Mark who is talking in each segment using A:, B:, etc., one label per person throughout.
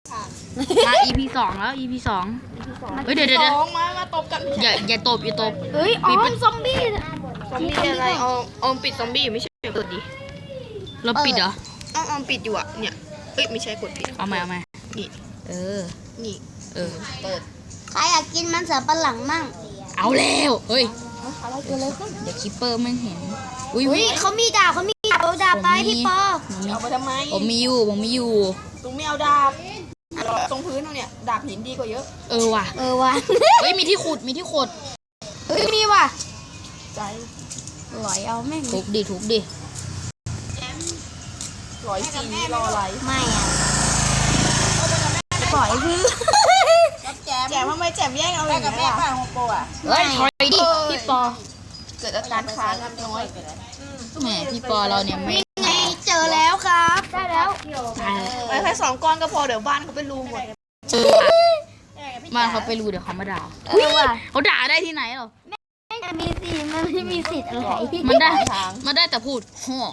A: มา EP 2แล้ว EP 2เฮ้ยเดี๋ยว
B: มาตบกัน
A: อย่าตบ
B: เฮ้ยออมซอมบี้อะไรออมปิดซอมบี้ไม่ใช่เปิดดิ
A: เราปิดเหรอ
B: ออมปิดอยู่อ่ะเนี่ยเฮ้ยไม่ใช่กดผิด
A: เอาใหม่
B: นี่นี่เปิด
C: ใครอยากกินมันเสือปลาหลังมั่ง
A: เอาแล้วเฮ้ย
C: อะไรเกิดอะไรขึ้น
A: เดี๋ยวคิปเปอร์ไม่เห็น
C: อุ้ยเขามีดาบเอาดาบไปพี่ปอ
B: เอาไปทำไม
A: ผมมีอยู่
B: ตรงไม่เอาดาบตรงพื้นตรงเนี้ยดาบหินดีกว่าเยอะ
A: ว่ะเฮ้ยมีที่ขุด
C: เฮ้ยมีว่ะ
B: ใจ
C: หลอยเอาแม่ง
A: ทุบดิ
B: ร้อยสีรออะไร
C: ไม่อ่ะปล่อยพื้น
B: แจมทำไมแจมแย่งเอาอย่างนี้ล่ะโปอ่ะ
A: เฮ้ยถอยดิพี่ปอ
B: เกิดอาการค้างน้อย
A: แหมพี่ปอเราเนี่ยไม่
C: ไงเจอแล้วครับได้แล้ว
B: ไปแค่2 ก้อนก็พอเดี๋ยวบ้านเขาเป็นรูหมด
A: บ้านเขาไปรูเดี๋ยวเขามาด่าเขาด่าได้ที่ไหนหรอ
C: มันไม่มีสิทธิ์อะไร
A: มันได้แต่พูดฮ่อ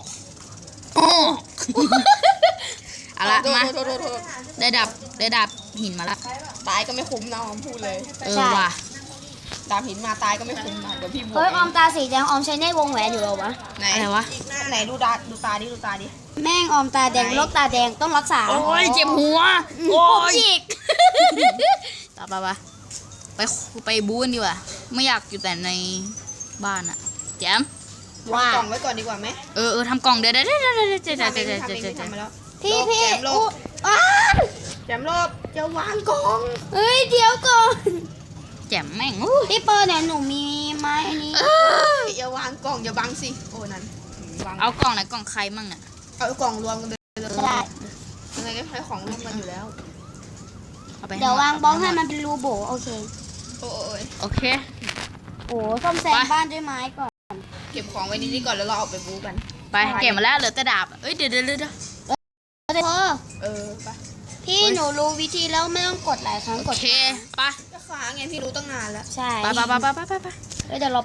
A: เอาละมาได้ดับหินมาละ
B: ตายก็ไม่คุ้มนะออมพูดเลย
A: ว่ะ
B: ดาบหินมาตายก็ไม่คุ้มนะเดี๋ยวพี่บวก
C: เฮ้ยออมตาสีแดงออมใช้ในวงแหวนอยู่หรอวะ
A: อะไรวะ
B: ไหนดูตาดิ
C: แม่งออมตาแดงโรคตาแดงต้องรักษา
A: โอ้ยเจ็บหัวโอ้ย
C: ฉีก
A: ต่อไปบูนดีกว่าไม่อยากอยู่แต่ในบ้านอะแจม
B: วางกล่องไว้ก่อนดีกว่าไหม
A: ทำกล่องเดี๋ยว
C: พี่
B: แจมรอบจะวางกล่อง
C: เฮ้ยเดี๋ยวก่อน
A: แจมแม่ง
C: พี่เปิร์เนี่ยหนูมีไม้อันนี้
B: อย่าวางกล่องอย่าบังสิโอ้นั่น
A: เอากล่องไหนกล่องใครมั่งเนี่ย
B: เอากล่องรวมกันเลยยังไงก็ใช้ของรวมกันอยู่แล้ว
C: เดี๋ยววางบล็อกให้มันเป็นรูโบโอเค
A: โอเค
C: โอ้ซ่อมแซมบ้านด้วยไม้ก่อน
B: เก็บของไว้นี่ก่อนแล้วเราออกไปบู๊กัน
A: ไปเก็บมาแล้วเหลือแต่ดาบเอ้ยเดี๋ยว
B: ไป
C: พี่หนูรู้วิธีแล้วไม่ต้องกดหลายครั้ง
A: โอเคไป
B: จะค้างไงพี่รู้ตั้งนานแล้ว
C: ใช่
A: ไป
C: เดี๋ยวเรา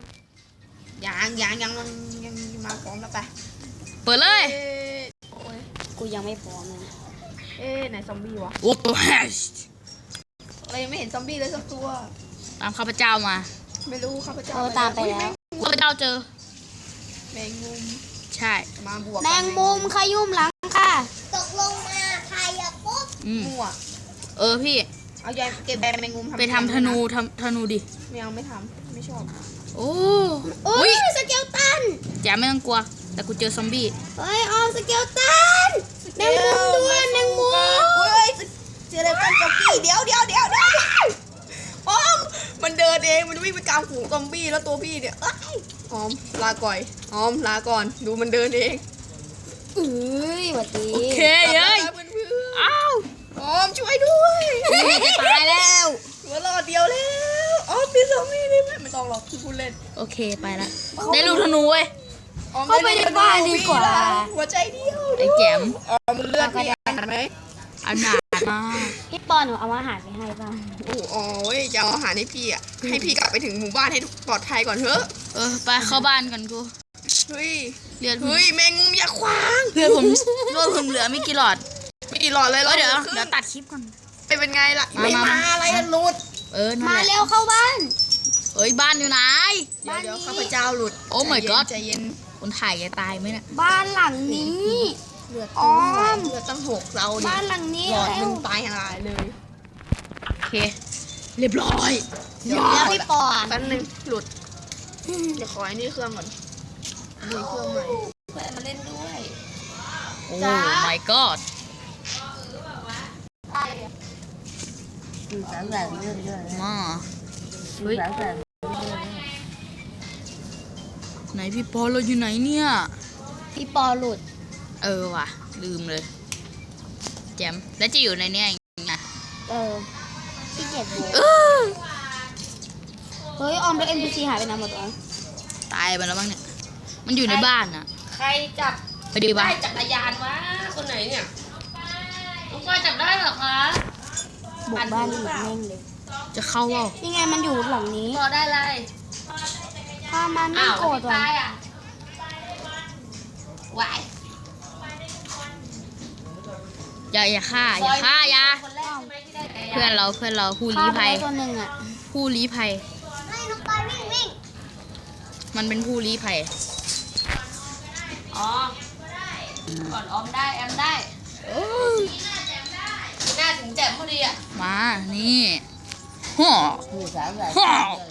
A: 3
B: ยังมาพร้อมแล้วไป
A: เปิดเลย
C: กูยังไม่พร้อมเลย
B: ไหนซอมบี้วะ
A: โอ้โห
B: เรายังไม่เห็นซอมบี้เลยสักตัว
A: ตามข้าพเจ้ามา
B: ไม่รู้ข้าพเจ้า
C: ตามไปแล้ว
A: ข้าพเจ้าเจอ
B: แมงมุม
A: ใช่
B: มาบวก
C: แมงมุมขยุ่มหลังค่ะ
B: ตกลงมาใครอะปุ๊บมั่ว
A: พี่
B: เอายายเก็บแมงมุม
A: ไปทำธนูดิ
B: ไม่ทำไม่ชอบ
A: โอ้
C: ยสเกลตัน
A: แจมไม่ต้องกลัวแต่กูเจอซอมบี้
C: เฮ้ยออมสเกลตันแมงมุมด้วยแมงมุม
B: เจอแล้วกันจ็อกกี้เดี๋ยวออมมันเดินเองมันวิ่งไปกลางฝูงซอมบี้แล้วตัวพี่เนี่ยออมลาก่อนดูมันเดินเอง
C: หวัดดี
A: โอเคเย้ยอ้าว
B: ออมช่วยด้วย
A: ตายแล้ว
B: เหลือรอดเดียวแล้วออมมีซอมบี้นี่ไม่ต้องหรอกพูดเล่น
A: โอเคไปละได้ลูกธนูเว้ย
C: เข้าไปในบ้านดีกว่า
B: หัวใจเดียว
A: ไอ้แจม
B: มันเลือดมีอาหารไหม
A: อาหารมาก
C: พี่ปอหนูเอาอาหารไปให้บ้าง
B: โอ้ยจะเอาอาหารให้พี่อ่ะให้พี่กลับไปถึงหมู่บ้านให้ปลอดภัยก่อนเถอะ
A: ไปเข้าบ้านกันกู
B: เฮ้ยแมงมุมอย่าขวาง
A: เลือดผมเหลือไม่กี่หลอด
B: เลย
A: เดี๋ยวตัดคลิปก่อน
B: เป็นไงล่ะไม่มาอะไรหลุด
C: มาเร็วเข้าบ้าน
A: บ้านอยู่ไหน
B: เดี๋ยวข้าพเจ้าหลุด
A: โอ้ my god
B: ใจเย็น
A: คนถ่ายจะตายไหมเนี่ย
C: บ้านหลังนี้
B: เลือดตั้ง6เรา
C: บ้านหลังนี้
B: หลอดมึงตายหายเลย
A: โอเคเรียบร้อย
C: เดี๋ยวพี่ปอน
B: แป๊บนึงหลุดเดี๋ยวขอไอ้นี่เครื่องก่อนดูเครื่องใหม่เพื่อนมาเล่นด้วย
A: โอ้ my god มาเฮ้ยไหนพี่ปอเราอยู่ไหนเนี่ย
C: พี่ปอหลุด
A: ว่ะลืมเลยแจมแล้วจะอยู่ในนี้ไง
C: พี่เจ็บหัวเฮ้ยออมแล้ว NPC หายไปไหนหมดวะ
A: ตายไปแล้วบ้างเนี่ยมันอยู่ในบ้านอะ
B: ใครจับ
A: ไปดีบ้าน
B: ได้จักรยานวะคนไหนเนี่ยน้องก้อยจับได้เหรอคะ
C: บุกบ้านหลุดแม่งเลย
A: จะเข้าว่า
C: ยังไงมันอยู่หลังนี้
B: พอได้เลย
C: ถ้ามันไม่โกรธว่ะ
B: วาย
A: อย่าฆ่าอย่าเพื่อนเราผู้ลี้ภัย
C: ตัวหนึ่งอ่ะ
A: ผู้ลี้ภัย
C: ให้น้องปอยวิ่ง
A: มันเป็นผู้ลี้ภัย
B: อ๋อก่อนออมได้แอมได้หน้าถึงแจ่มพอดีอ่ะ
A: มานี่ฮ่อฮ่อ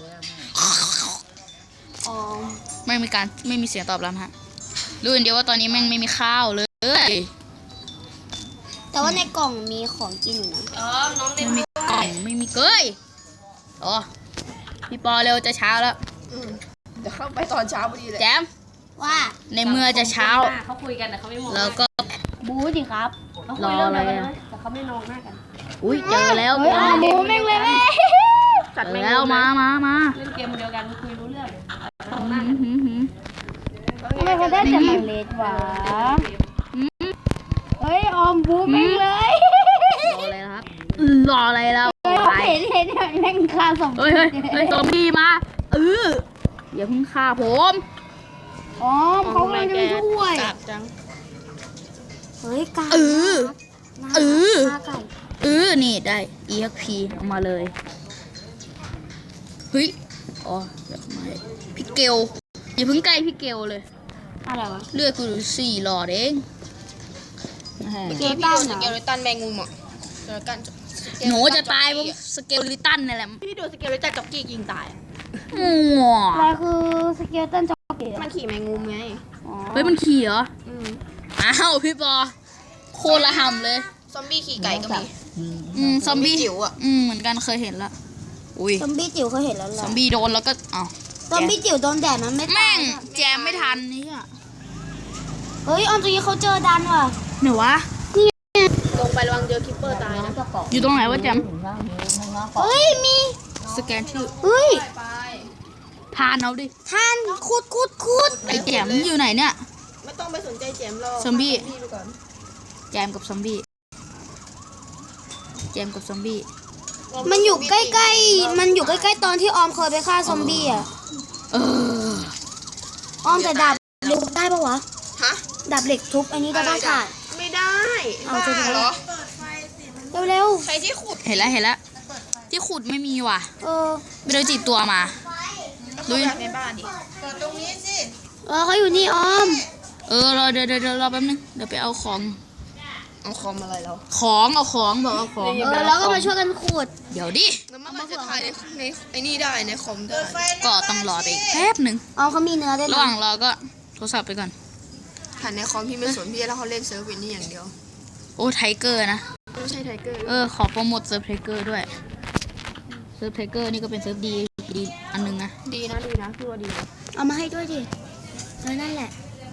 C: อ๋อ
A: ไม่มีเสียงตอบรับฮะรู้อย่างเดียวว่าตอนนี้แม่งไม่มีข้าวเลย
C: แต่ว่าในกล่องมีของกินอยู่นะ
B: น้องเล่น
A: ไม่มีกล่องไม่มีเกยอ๋อพี่ปอเร็วจะเช้าแล้ว
B: เดี๋ยวเข้าไปตอนเช้าพอดีเลย
A: แจม
C: ว่า
A: ในเมื่อจะเช้า
B: เขาคุยกันแต่เขาไม่มอง
A: แล้วก็
C: บูสิครับ
A: รออะไรอะ
B: แต่เขาไม่มองหน้ากัน
A: อุ้ยเจอแล้ว
C: เฮ้ยเอาบูแม่งเลยแม่
A: เจอแล้วมา
B: เล่นเกมเดียวกันคุยรู้เรื่อง
C: ทำไมเขาได้แต่หมังเลดวะเฮ้ยออมบูแม่งเลย
A: รออะไรแล้ว
C: เห็นแม่งฆ่าสอง
A: เฮ้ยซอมบี้มาอย่าเพิ่งฆ่าผม
C: ออมเขากำลังจะมาช่วย
B: จับจัง
C: เฮ้ยไก่ ฆ่าไก่
A: นี่ได้ EXP เอามาเลยเฮ้ยอ๋อเดี๋ยวไม่พี่เกลอย่าเพิ่งใกล้พี่เกลเลย
C: อะไรวะ
A: เลือดกูอยู่4 หลอดเอง
C: เกตันเหรอ
B: สเกลเลตันแมงมุมอ่ะเจอกัน
A: หนูจะตายเพราะสเกลลิตันนี่แหละ
B: พี่โดนสเกลเลตันจ็อกกี้ยิงตาย
A: มั่ว
C: อะไรคือสเกลตันจ็อกเก็ต
B: มันขี่แมงมุมไง
A: เฮ้ยมันขี่เหรอ
B: อืม
A: อ้าวพี่ปอโคตรละห่ำเลย
B: ซอมบี้ขี่ไก่ก็มี
A: ซอมบี้
B: จิ๋วอ่ะ
A: เหมือนกันเคยเห็นละอุ้ย
C: ซอมบี้จิ๋วเคยเห็นแล้วแห
A: ซ
C: ละ
A: อมบี้โดนแล้วก็อ้าว
C: ซอมบี้จิ๋วโดนแดดมันไม่ตา
A: แม่
C: ย
A: งแจมไม่ทันนี่อ่ะ
C: เฮ้ยออมตรงนี้เขาเจอดันว่ะ
A: ไหนวะ
B: ลงไประวังเจอคิปเปอร์ตายนะ
A: อยู่ตรงไหนวะแจม
C: เฮ้ยมี
A: สแกนชื่อ
C: เฮ้ย
A: ทานเอาดิ
C: ท่านขุด
A: ไอ้แจมอยู่ไหนเนี่ย
B: ไม่ต้องไปสนใจแจมหรอก
A: ซอมบี้
B: พี่ไปก่อน
A: แจมกับซอมบี้แจมกับซอมบี้
C: มันอยู่ใกล้ๆมันอยู่ใกล้ๆตอนที่ออมเคยไปฆ่าซอมบี้อ่ะ
A: เออ
C: ออมแต่ดาบเหล็กได้ปะวะ
B: ฮะ
C: ดาบเหล็กทุบอันนี้ได้บ้างค่ะ
B: ไม่ได้
C: เอา
B: บ้า
C: จะทำ
B: เหรอ
C: เร็ว
B: ใครที่ขุด
A: เห็นแล้วที่ขุดไม่มีว่ะ
C: ๆเออ
A: ไปเดินจีบตัวมา
B: ดูในบ้านดิเปิดตรงนี้สิ
C: เขาอยู่นี่ออม
A: รอเดี๋ยวรอแป๊บนึงเดี๋ยวไปเอาของ
B: เอาคอมอะไรแล้ว
A: เอาของบอกเอาของ
C: แล้วก็มาช่วยกันขุด
A: เดี๋ยวดิ
B: แล้วมันจะถ่ายในไอ้นี่ได้ในคอมได้
A: ก็ต้องรอไปอีกแป๊บหนึ่ง
C: ออมเขามีเนื้อด้วย
A: ระ
C: นะ
A: หว่างรอก็โทรศัพท์ไปก่อน
B: ถ่ายในคอมพี่ไม่สนพี่แล้วเขาเล่นเซิร์ฟวินนี่อย่างเดียว
A: โอ้ไทเกอร์นะ
B: ไม่ใช่ไทเกอร์
A: ขอโปรโมทเซิร์ฟไทเกอร์ด้วยเซิร์ฟไทเกอร์นี่ก็เป็นเซิร์ฟดีอันนึงนะ
B: ดีนะพี่ว่าดีนะ
C: เอามาให้ด้วยดินั่นแหละ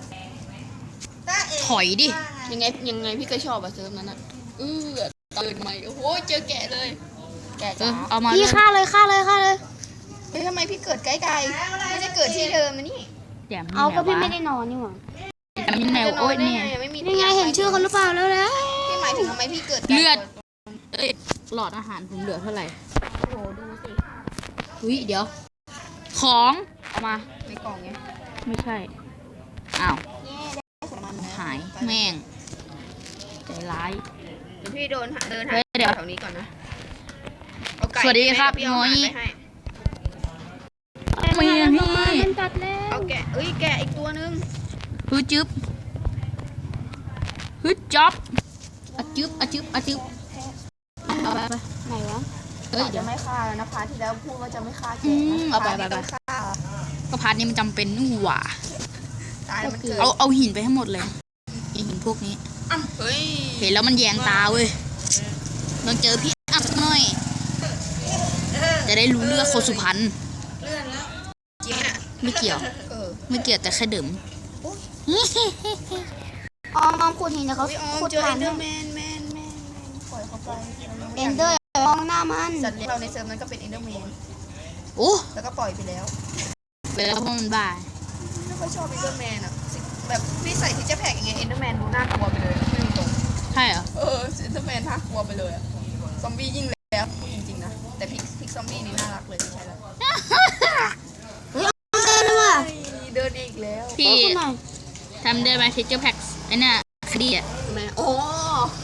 A: ถอยดิ
B: ยังไงพี่ก็ชอบอะเซิร์ฟนั้นอะตื่นใหม่โอ้โหเจอแกะเลย แกะจ้า
A: เอามา
C: พี่
A: เลย
C: ฆ่าเลย
B: เฮ้ยทำไมพี่เกิดใกล้ๆไม่ได้เกิดที่เดิมนะนี่
A: แจม
C: เอาก็พี่
A: ไหน
C: ไม่
A: วะ
C: ได้นอนนี่หว่า
A: แจมที่ไหนวะโอ้ยเนี่ย
B: ไม่มี
C: นี่ไงเห็นชื่อเขาหรือเปล่าแล้ว
B: พี่หมายถึงทำไมพี่เกิด
A: เลือด หลอดอาหารผมเหลือเท่าไหร่
B: โอ้โหดูสิ
A: อุ้ยเดี๋ยว ของเอามา
B: ในกล่องไง
A: ไม่ใช่อ้าว
B: ของมันนะ
A: หายแม่งใจร้าย
B: เดี๋ยวพี่เดินหา
A: เฮ้ยเดี๋ยว
B: แถวนี้ก่อนนะเอาไก่
A: สวัสดีครับ
B: พี่เอาอาหาร
A: น้อย
B: ไปให้
A: มีอันนี้
C: มันตัดแล้ว
B: เอาแกะแกะอีกตัวนึง
A: ฮึดจึ๊บฮึดจ๊อบอะจึ๊บเอาไป
C: ไหนวะ
A: เอ้ยเดี๋
B: จะ
A: ยว
B: ไม่ฆ่าแล้วนะพาร์ทที่แล้วพูดว่าจะไม่ฆ่าแกะ
A: อืม
B: นะ
A: เอาไป
B: พร์ทนี้ต้องฆ่า
A: ก็พาร์ทนี้มันจำเป็นนี่หว่า
B: ตายแล้วมันเกิด
A: เอาหินไปให้หมดเลยไอหินพวกนี้
B: เฮ้ย
A: เห็นแล้วมันแยงตาเว้ยต้องเจอพี่อัพสักหน่อย จะได้รู้เรื่องคนสุพรรณ
B: จริงอ่ะ
A: ไม่เกี่ยว ไม่เกี่ยวแต่แค่ดื่ม
C: ออมขุดหินแต่เขา
B: พี่ออม
C: ขุด
B: เจอ
C: ผ่า
B: เอน นเดอ
C: ให้
B: ร์แมนปล่อยเขาไป
C: เอนเดอร์มองหน้ามัน
B: สัตว์เลี้ยงเราในเซิร์ฟนั้นก็เป็นเอนเดอร์แมน
A: โอ้
B: แล้วก็ปล่อยไปแล้ว
A: ไปแล้วเพราะมันบ้า
B: ไม่ค่อยชอบเอนเดอร์แมนอ่ะแบบพี่ใส่ที่จะแพ็กอย่างเงี้ยเอนเดอร์แมนดูน่ากลัวไปเลยไม่ตรง
A: ใช่เหรอ
B: เอนเดอร์แมนน่ากลัวไปเลยอะซอมบี้ยิ่งแล้วจริงๆนะแต่พิกซอมบี้นี่น่ารักเลยใช่แล้ว
C: เฮ้ยออมเดินเลยว่ะ
B: เดินอีกแล้ว
A: พี่
C: ขอคุณหน่อย
A: ทำได้ไหมทิเจอร์แพ็กไอ้น่ะคดีอ่ะ
B: แม่โอ้
A: แม่ง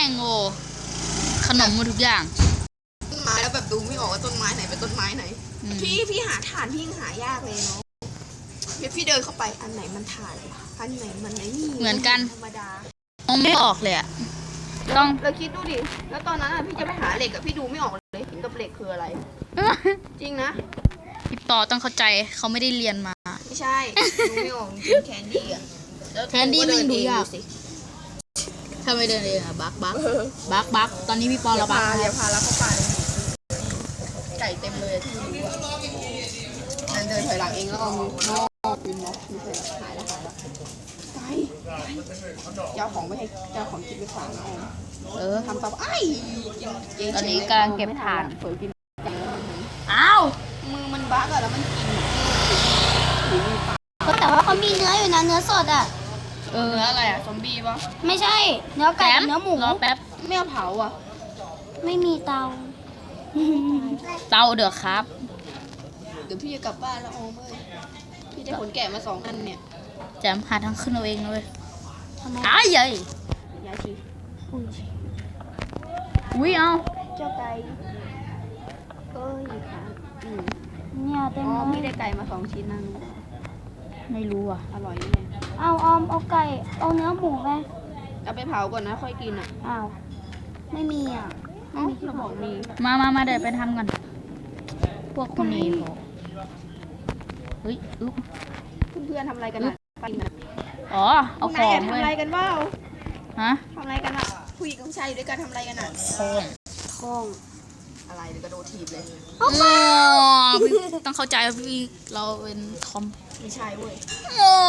A: งโง่ขนมหมดทุกอย่าง
B: ต้นไม้แล้วแบบดูไม่ออกว่าต้นไม้ไหนเป็นต้นไม้ไหน
A: อืม
B: พี่หาถ่านพี่ยังหายากเลยเนาะเดี๋ยวพี่เดินเข้าไปอันไหนมันถ่านอันไหนมันไอ้นี่
A: เหมือนกัน
B: ธรรมดา
A: มองไม่ออกเลยอะต้อง
B: เราคิดดูดิแล้วตอนนั้นอะพี่จะไปหาเหล็กอะพี่ดูไม่ออกเลยเห็นกับเหล็กคืออะไร จริงนะ
A: พี่ปอต้องเข้าใจเขาไม่ได้เรียนมา
B: ไม่ใช่ดูไม่ออกจริงแคนดี้อะล้ว
A: แคนดี้
B: ก็เดิ
A: มันดูยาก
B: สิ
A: ถ้าไม่เดินเองอะบักตอนนี้พี่ปอ
B: อย่า
A: ระบา
B: พา
A: ด
B: อย่าพาแล้วเข้าป่าเลยไก่เต็มเลยที่ดูอะนั่นเดินถอยหลังเองแล้วเอามือนอกยืนมองมีใครหายแล้วไก่เจ้าของไม่ให้เจ้าของกินไปฝากนะออม
A: เออ
B: ทำต่อไอ้กิน
A: ตอนนี้กำลังเก็บถ่าน
B: เผลอกินไก่แล้วมัน
A: อ้าว
B: มือมันบั๊กอะแล้วมันกินหรือมีปาก
C: แต่ว่าเขามีเนื้ออยู่นะเนื้อสดอ่ะ
A: เออ
B: เนื้ออะไรอะซอมบี้ปะ
C: ไม่ใช่ เนื้อไก่กับเนื้อหมู
A: รอแป๊บ
B: ไม่เอาเผาอะ
C: ไม่มีเตา
A: เตาเดือดครับ
B: เดี๋ยวพี่จะกลับบ้านแล้วออมเอ้ยพี่จะขนแกะมา2 อันเนี่ย
A: แจมหาทางขึ้นเอาเองเลย
C: ทำไม
A: อ้ายเย้ย
B: ยายชี
C: อุ้ย
A: อุ้ยเอา
B: เจ้าไก่เอ้ยค่ะ
C: เนี่ยเต็ม
B: อ๋อ
C: เล
B: พี่
C: ย
B: ได้ไก่มา 2 ชิ้นนั่น
A: ไม่รู้อ่ะ
B: อร่อยเนี่ย
C: เอาออมเอาไก่เอาเนื้อหมูไป
B: เอาไปเผาก่อนนะค่อยกินอะ
C: อ้าวไม่มีอ่ะ
B: เอ้าเราบอกมี
A: มาเดี๋ยวไปทำกัน พวกคนนี้บอกเฮ้ยอึ๊บ
B: เพื่อนๆทำอะไรกันอะไปนะ
A: อ๋อ เอา
B: ไห
A: ข
B: น
A: อง
B: อะ
A: ไป
B: ทำอะไรกันบ้า
A: ฮะ
B: ทำอะไรกันอะผู้หญิงกับผู้ชายอยู่ด้วยกันทำอะไรกันอะ
A: ของ
C: ท้อง
B: อะไรเดี๋ยวกระโดดถีบเลย
A: อ๋อพี่ต้องเข้าใจว่าพี่เราเป็นทอม
B: ไม่ใช่เว้ย
A: อ๋อ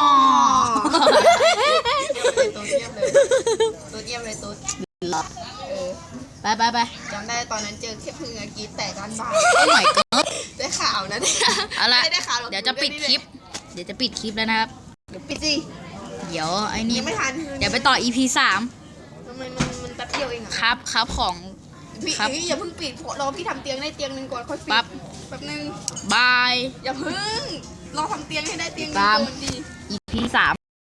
B: ตัวเทียบเลยตัวเทียบเลยตัวเออ
A: ไป
B: จำได้ตอนนั้นเจอแค่พึ่งอะกรีดแตกด้านบ้าน
A: โอ้ my god
B: ได้ข่าวนะเนี่ย
A: เอาละ
B: ไม่ได้ข่าวหรอก
A: เดี๋ยวจะปิดคลิป เดี๋ยวจะปิดคลิปแล้วนะครับ
B: เดี๋ยวปิดสิ
A: เดี๋ยวไอ้นี่
B: ยังไม่ทัน
A: เดี๋ยวไปต่อ EP 3
B: ทำไมมันแป๊บเดียวเองอะ
A: ครับของ
B: พี่
A: ครับ
B: เอ้ยอย่าเพิ่งปิดรอพี่ทำเตียงได้เตียงหนึ่งก่อนค่อยปิด
A: ปั๊บ
B: แป๊บนึง
A: บาย
B: อย่าเพิ่งรอทำเตียงให้ได้เตียงหนึ่ง
A: ตาม
B: ก่อนดี
A: EP 3